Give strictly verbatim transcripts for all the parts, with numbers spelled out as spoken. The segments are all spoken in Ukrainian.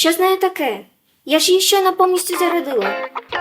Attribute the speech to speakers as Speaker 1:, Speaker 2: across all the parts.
Speaker 1: Що з нею таке? Я ж її щойно повністю зарядила.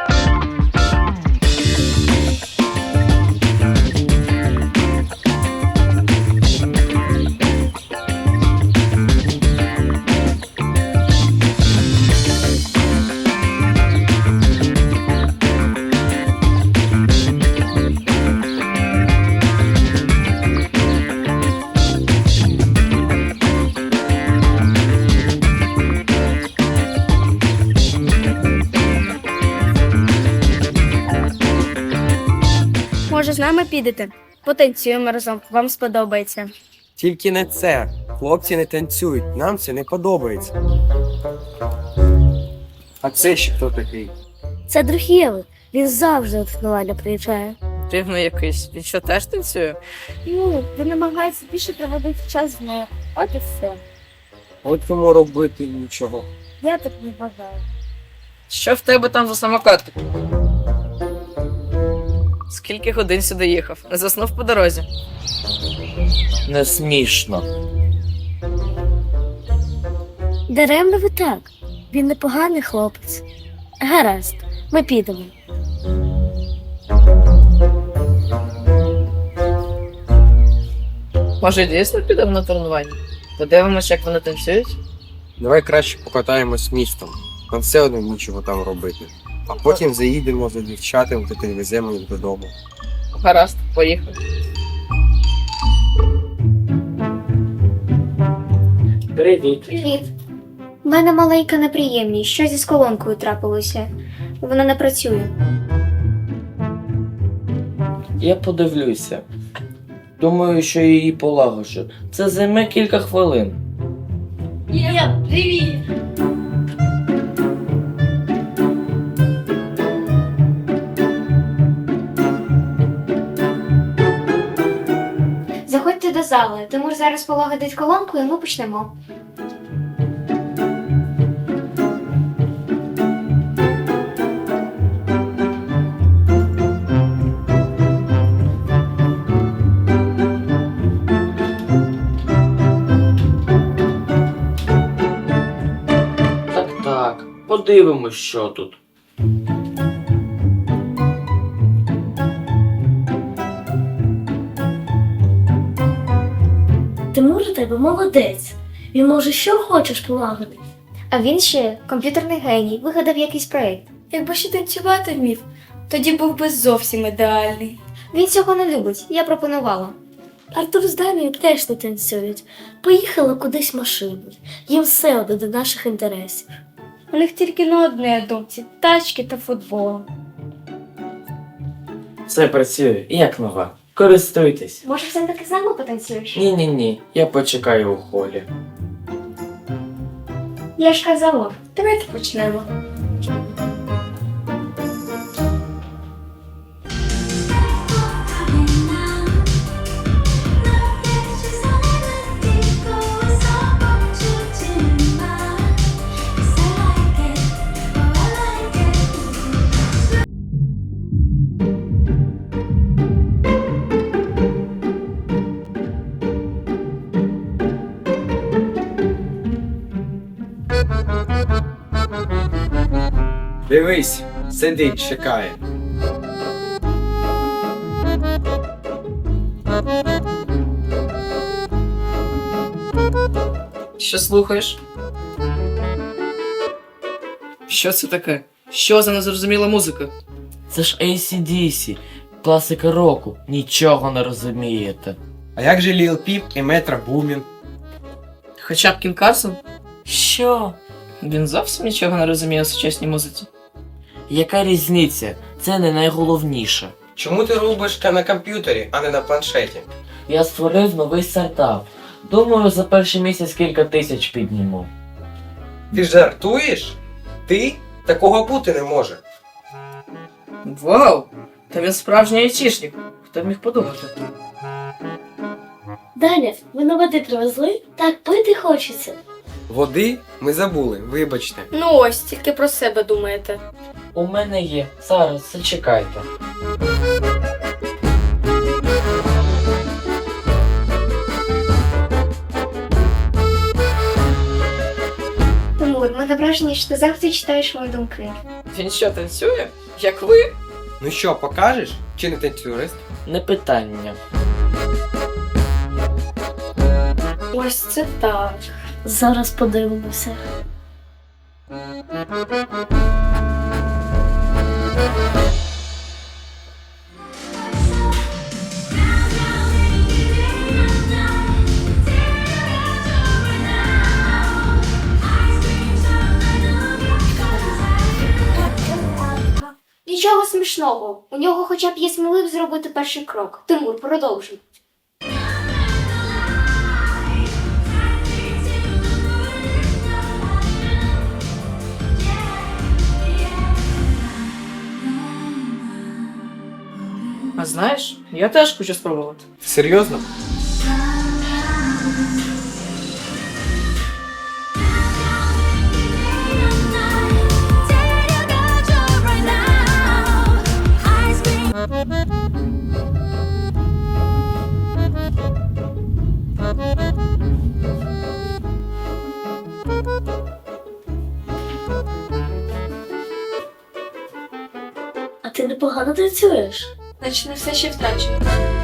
Speaker 2: Може, з нами підете? Потанцюємо разом, вам сподобається.
Speaker 3: Тільки не це. Хлопці не танцюють, нам це не подобається. А це ще хто такий?
Speaker 2: Це друг Єви. Він завжди от фестиваля приїжджає.
Speaker 4: Дивно якийсь. Він що, теж танцює?
Speaker 2: Ну, він намагається більше проводити час з нею. От і все.
Speaker 3: От кому робити нічого.
Speaker 2: Я так не вважаю.
Speaker 4: Що в тебе там за самокат? Скільки годин сюди їхав? Не заснув по дорозі?
Speaker 5: Не смішно.
Speaker 2: Даремно ви так. Він непоганий хлопець. Гаразд, ми підемо.
Speaker 4: Може, дійсно підемо на тренування? Подивимось, як вони танцюють?
Speaker 3: Давай краще покатаємось містом. Нам все одно нічого там робити. А потім заїдемо за дівчатами та підвеземо їх додому.
Speaker 4: Гаразд, поїхали.
Speaker 5: Привіт.
Speaker 1: Привіт. У мене маленька неприємність. Щось із колонкою трапилося. Вона не працює.
Speaker 5: Я подивлюся. Думаю, що її полагоджу. Це займе кілька хвилин.
Speaker 1: Заходьте до зали. Тимур зараз полагодить колонку і ми почнемо.
Speaker 5: Так, так. Подивимось, що тут.
Speaker 2: Тимур у тебе молодець. Він може що хочеш полагодити.
Speaker 1: А він ще комп'ютерний геній, вигадав якийсь проєкт.
Speaker 2: Якби ще танцювати вмів, тоді був би зовсім ідеальний.
Speaker 1: Він цього не любить, я пропонувала.
Speaker 2: Артур з Данією теж не танцюють. Поїхали кудись машиною. Їм все одно до наших інтересів. У них тільки на одне думці – тачки та футбол.
Speaker 5: Все працює, як нова. Користуйтесь.
Speaker 1: Може, все-таки з нами потанцюєш?
Speaker 5: Ні-ні-ні, я почекаю у холі.
Speaker 1: Я ж казала.
Speaker 2: Давайте почнемо.
Speaker 3: Дивись, сидить, чекає.
Speaker 4: Що слухаєш? Що це таке? Що за незрозуміла музика?
Speaker 5: Це ж ей сі ді сі, класика року. Нічого не розумієте.
Speaker 3: А як же Ліл Піп і Метро Бумін?
Speaker 4: Хоча б Кін Карсон?
Speaker 5: Що?
Speaker 4: Він зовсім нічого не розуміє у сучасній музиці.
Speaker 5: Яка різниця? Це не найголовніше.
Speaker 3: Чому ти робиш на комп'ютері, а не на планшеті?
Speaker 5: Я створив новий стартап. Думаю, за перший місяць кілька тисяч підніму.
Speaker 3: Ти жартуєш? Ти? Такого бути не може.
Speaker 4: Вау! Та він справжній айтішник. Хто б міг подумати?
Speaker 2: Даня, ви на води привезли? Так пити хочеться.
Speaker 3: Води ми забули, вибачте.
Speaker 2: Ну ось, тільки про себе думаєте.
Speaker 5: У мене є. Зараз, зачекайте.
Speaker 1: Тимур, ми Таке враження, що ти завжди читаєш мої думки.
Speaker 4: Він що, танцює? Як ви?
Speaker 3: Ну що, покажеш? Чи не танцюрист?
Speaker 5: Не питання.
Speaker 2: Ось це так. Зараз подивимося.
Speaker 1: Нічого смішного. У нього хоча б є сміливість зробити перший крок. Тимур, продовжуй.
Speaker 4: А знаєш, я теж хочу спробувати.
Speaker 3: Серйозно?
Speaker 2: А ти непогано танцюєш. Значить, не все ще втрачено.